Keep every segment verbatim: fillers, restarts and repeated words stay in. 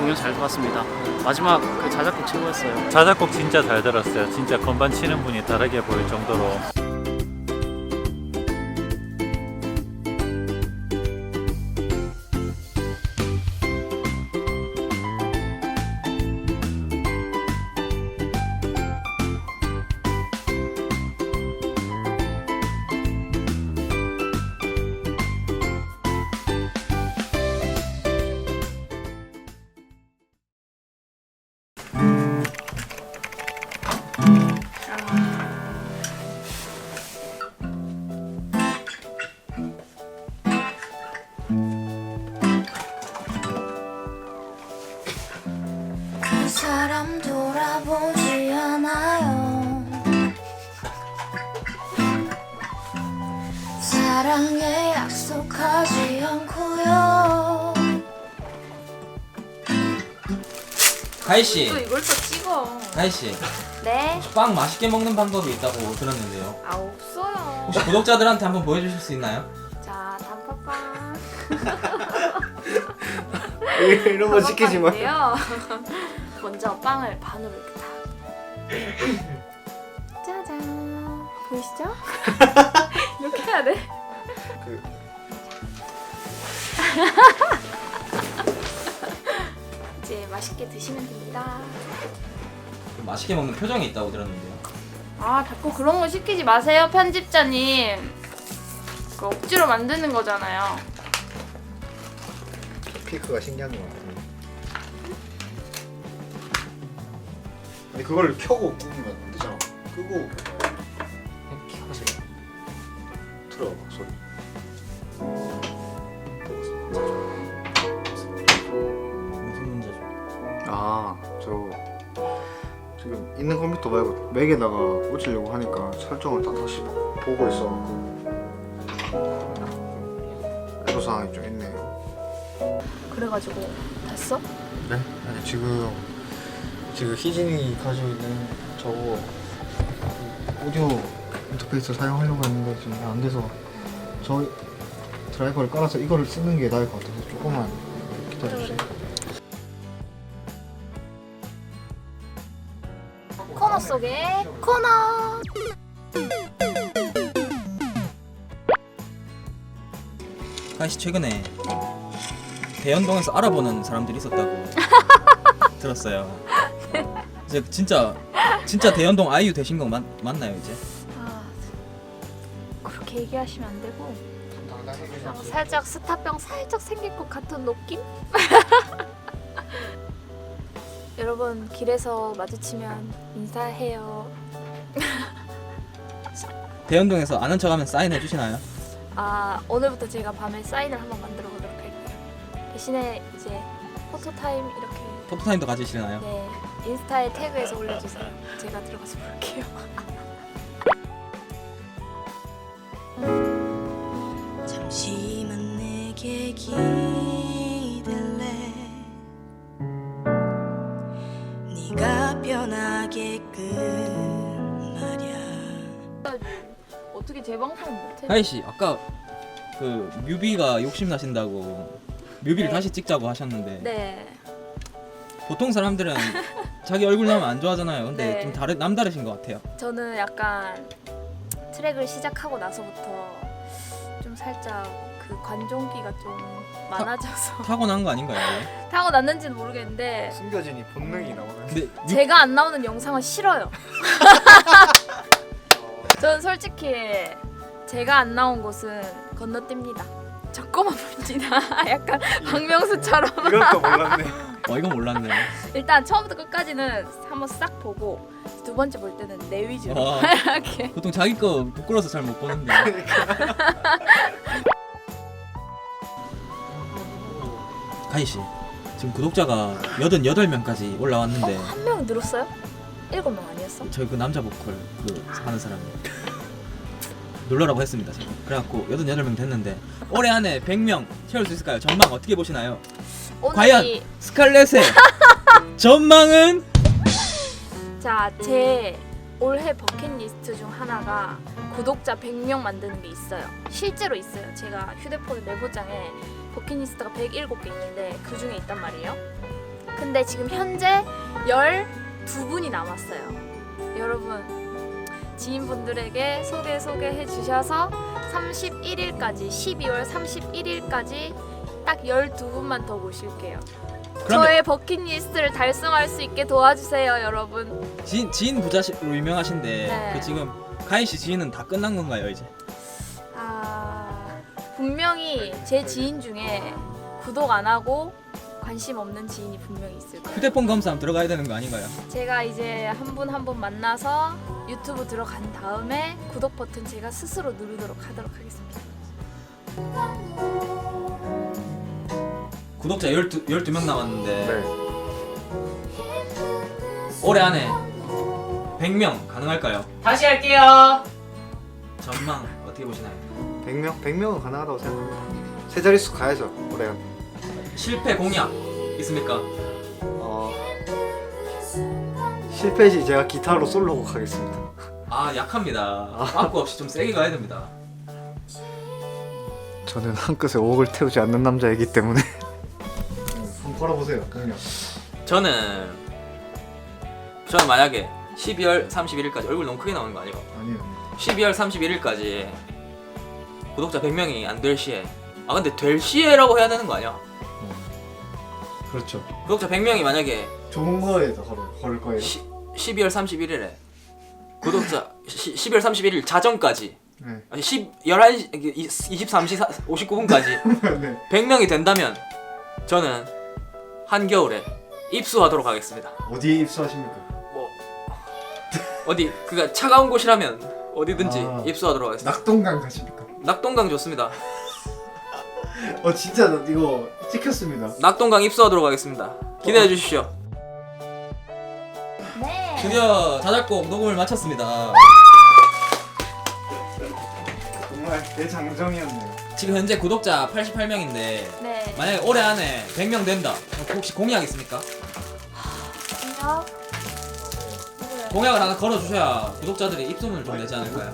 공연 잘 들었습니다. 마지막 그 자작곡 최고였어요. 자작곡 진짜 잘 들었어요. 진짜 건반 치는 분이 다르게 보일 정도로. 그 사람 돌아보지 않아요. 사랑에 약속하지 않고요. 가희씨, 또 이걸 또 찍어. 가희씨, 네? 빵 맛있게 먹는 방법이 있다고 들었는데요. 아 없어요. 혹시 구독자들한테 한번 보여주실 수 있나요? 자 단팥빵. 이런 거 시키지 마. 단팥빵인데요. 먼저 빵을 반으로 이렇게 다. 짜잔. 보이시죠? 이렇게 해야 돼. 그- 이제 맛있게 드시면 됩니다. 맛있게 먹는 표정이 있다고 들었는데요. 아 자꾸 그런 거 시키지 마세요 편집자님. 그 억지로 만드는 거잖아요. 피크가 신기한 것 같아. 아니 그걸 켜고 끄면 안 되잖아. 끄고 이렇게 하세요. 들어봐 소리. 무슨 문제죠? 아, 저 지금 있는 컴퓨터 말고 맥에다가 꽂으려고 하니까 설정을 다 다시 보고 있어갖고 애로사항이 좀 있네요. 그래가지고 됐어? 네? 아니 지금 지금 희진이 가지고 있는 저거 오디오 인터페이스 사용하려고 했는데 지금 안 돼서 저 드라이버를 깔아서 이거를 쓰는 게 나을 것 같아서 조금만 기다려주세요. 코너 속의 코너. 가희씨 최근에 대연동에서 알아보는 사람들이 있었다고 들었어요. 이제 진짜 진짜 대연동 아이유 되신 거 맞, 맞나요 이제? 아 그렇게 얘기하시면 안 되고 어, 살짝 스타병 살짝 생길 것 같은 느낌? 여러분 길에서 마주치면 인사해요. 대연동에서 아는 척하면 사인해 주시나요? 아 오늘부터 제가 밤에 사인을 한번 만들어 보도록 할게요. 대신에 이제 포토타임 이렇게 포토타임도 가지시나요? 네 인스타에 태그해서 올려주세요. 제가 들어가서 볼게요. 잠시만 내게 기댈래 네가 변하게끔 말야. 어떻게 재방송 못해? 가희씨 아까 그 뮤비가 욕심 나신다고 뮤비를 네. 다시 찍자고 하셨는데 네. 보통 사람들은 자기 얼굴 나오면 안 좋아하잖아요. 근데 네. 좀 다르 남다르신 것 같아요. 저는 약간 트랙을 시작하고 나서부터 좀 살짝 그 관종기가 좀 많아져서 타고난 거 아닌가요? 이게? 타고 났는지는 모르겠는데 숨겨진 이 본능이 나오는. 근데 뮤- 제가 안 나오는 영상은 싫어요. 저는 솔직히 제가 안 나온 곳은 건너뜁니다. 적고만 봅니다. 약간 박명수처럼. 이런 거 몰랐네. 어 이건 몰랐네. 일단 처음부터 끝까지는 한번 싹 보고 두 번째 볼 때는 내 위주로 와. 이렇게. 보통 자기 거 부끄러워서 잘 못 보는데. 가희 씨, 지금 구독자가 여든여덟 명까지 올라왔는데 한 명 늘었어요? 일곱 명 아니었어? 저희 그 남자 보컬 그 하는 사람이 놀라라고 했습니다. 제가. 그래갖고 여든여덟 명 됐는데 올해 안에 백 명 채울 수 있을까요? 전망 어떻게 보시나요? 오늘이 과연 스칼렛의 전망은? 자, 제 올해 버킷리스트 중 하나가 구독자 백 명 만드는 게 있어요. 실제로 있어요. 제가 휴대폰 메모장에 버킷리스트가 백칠 개 있는데 그 중에 있단 말이에요. 근데 지금 현재 열두 분이 남았어요. 여러분 지인분들에게 소개 소개해 주셔서 삼십일 일까지 십이월 삼십일 일까지 딱 열두 분만 더 모실게요. 그러면 저의 버킷리스트를 달성할 수 있게 도와주세요, 여러분. 지인 지인 부자로 유명하신데 네. 그 지금 가인 씨 지인은 다 끝난 건가요 이제? 아, 분명히 제 지인 중에 구독 안 하고 관심 없는 지인이 분명히 있을 거예요. 휴대폰 검사 들어가야 되는 거 아닌가요? 제가 이제 한 분 한 분 만나서 유튜브 들어간 다음에 구독 버튼 제가 스스로 누르도록 하도록 하겠습니다. 구독자 열두, 열두 명 남았는데 네. 올해 안에 백 명 가능할까요? 다시 할게요. 전망 어떻게 보시나요? 백 명? 백 명은 가능하다고 생각합니다. 세 자릿수 가야죠 올해. 실패 공약 있습니까? 어, 실패시 제가 기타로 솔로곡 하겠습니다. 아 약합니다. 빠꾸 없이 좀 세게 가야 됩니다. 저는 한 끗에 오억을 태우지 않는 남자이기 때문에. 한번 걸어보세요. 그냥. 저는 저는 만약에 십이월 삼십일 일까지 얼굴 너무 크게 나오는 거 아니에요? 아니요. 십이월 삼십일 일까지 구독자 백 명이 안 될 시에 아 근데 될 시에라고 해야 되는 거 아니야? 그렇죠. 구독자 백 명이 만약에 좋은 거에서 걸을, 걸을 거예요. 시, 십이월 삼십일 일에 구독자 시, 십이월 삼십일 일 자정까지 네. 아니 십, 열한 시, 이십삼 시 오십구 분까지 네. 백 명이 된다면 저는 한겨울에 입수하도록 하겠습니다. 어디에 입수하십니까? 뭐 어디 그가 차가운 곳이라면 어디든지 아. 입수하도록 하겠습니다. 낙동강 가십니까? 낙동강 좋습니다. 어 진짜 나 이거 찍혔습니다. 낙동강 입수하도록 하겠습니다. 기대해 주십시오. 네. 드디어 자작곡 녹음을 마쳤습니다. 정말 대장정이었네요. 지금 현재 구독자 팔십팔 명인데 네. 만약에 올해 안에 백 명 된다. 혹시 공약 있습니까? 안녕. 공약을 하나 걸어주셔야 구독자들이 입소문을 좀 내지 않을까요?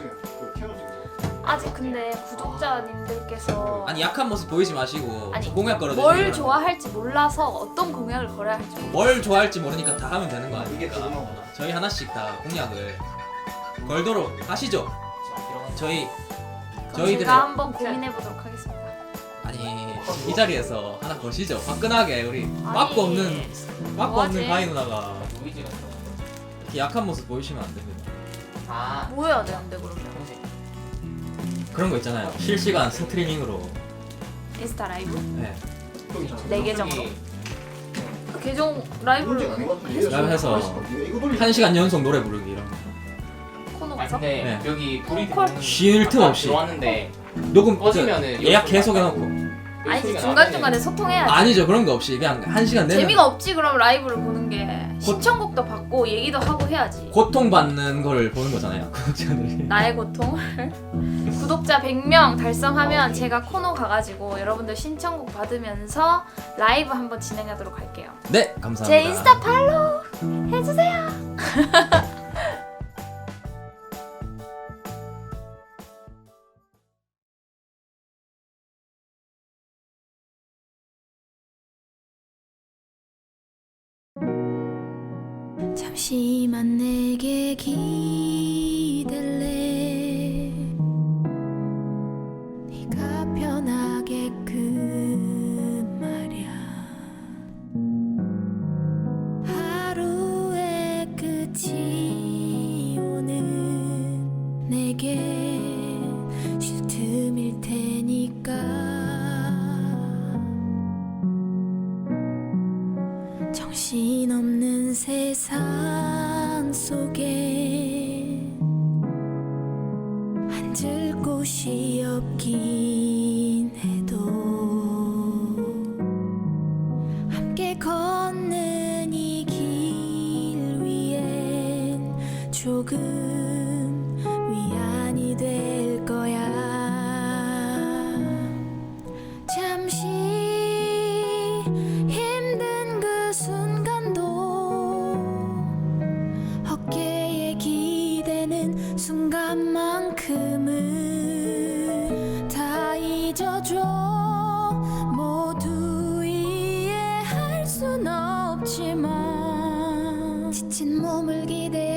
아직 근데 구독자님들께서 아니 약한 모습 보이지 마시고 아니, 공약 걸어주시면 뭘 좋아할지 몰라서 어떤 공약을 걸어야 할지 모르겠어요. 뭘 좋아할지 모르니까 다 하면 되는 거 이게 아닙니까? 그거나. 저희 하나씩 다 공약을 걸도록 하시죠. 저희 그럼 저희들의 제가 한번 고민해 보도록 하겠습니다. 아니 이 자리에서 하나 거시죠. 화끈하게 우리 아니, 막고 없는 막고 뭐하지? 없는 가희 누나가 노이즈 같은 거. 이렇게 약한 모습 보이시면 안 됩니다. 아. 뭐 해야 되는데 그러면? 그런 거 있잖아요. 실시간 스트리밍으로 인스타 라이브? 네. 네 계정으로? 그 계정 라이브를 라이브 해서 한 시간 연속 노래 부르기 이런 거. 코너 아 가서? 근데 네. 여기 불이 콜? 들어오는 쉴틈 아까 없이. 들어왔는데 녹음 그 꺼지면은 예약 계속 해놓고 아니지 중간중간에 소통해야지. 아니죠 그런 거 없이 그냥 한 시간 내내 재미가 없지 그럼 라이브를 보는 게. 시청곡도 받고 얘기도 하고 해야지. 고통받는 걸 보는 거잖아요 구독자들이. 나의 고통. 구독자 백 명 달성하면 제가 코너 가가지고 여러분들 신청곡 받으면서 라이브 한번 진행하도록 할게요. 네 감사합니다. 제 인스타 팔로우 해주세요. 잠시만 내게 기댈래 네가 편하게끔 말야 하루의 끝이 오는 내게 쉴 틈일 테니까 정신없는 세상 속에 앉을 곳이 없긴 해도 함께 걷는 이 길 위엔 조금 위안이 될 거야. 잠시 힘든 그 순간도 어깨에 기대는 순간만큼은 다 잊어줘. 모두 이해할 순 없. 없지만 지친 몸을 기대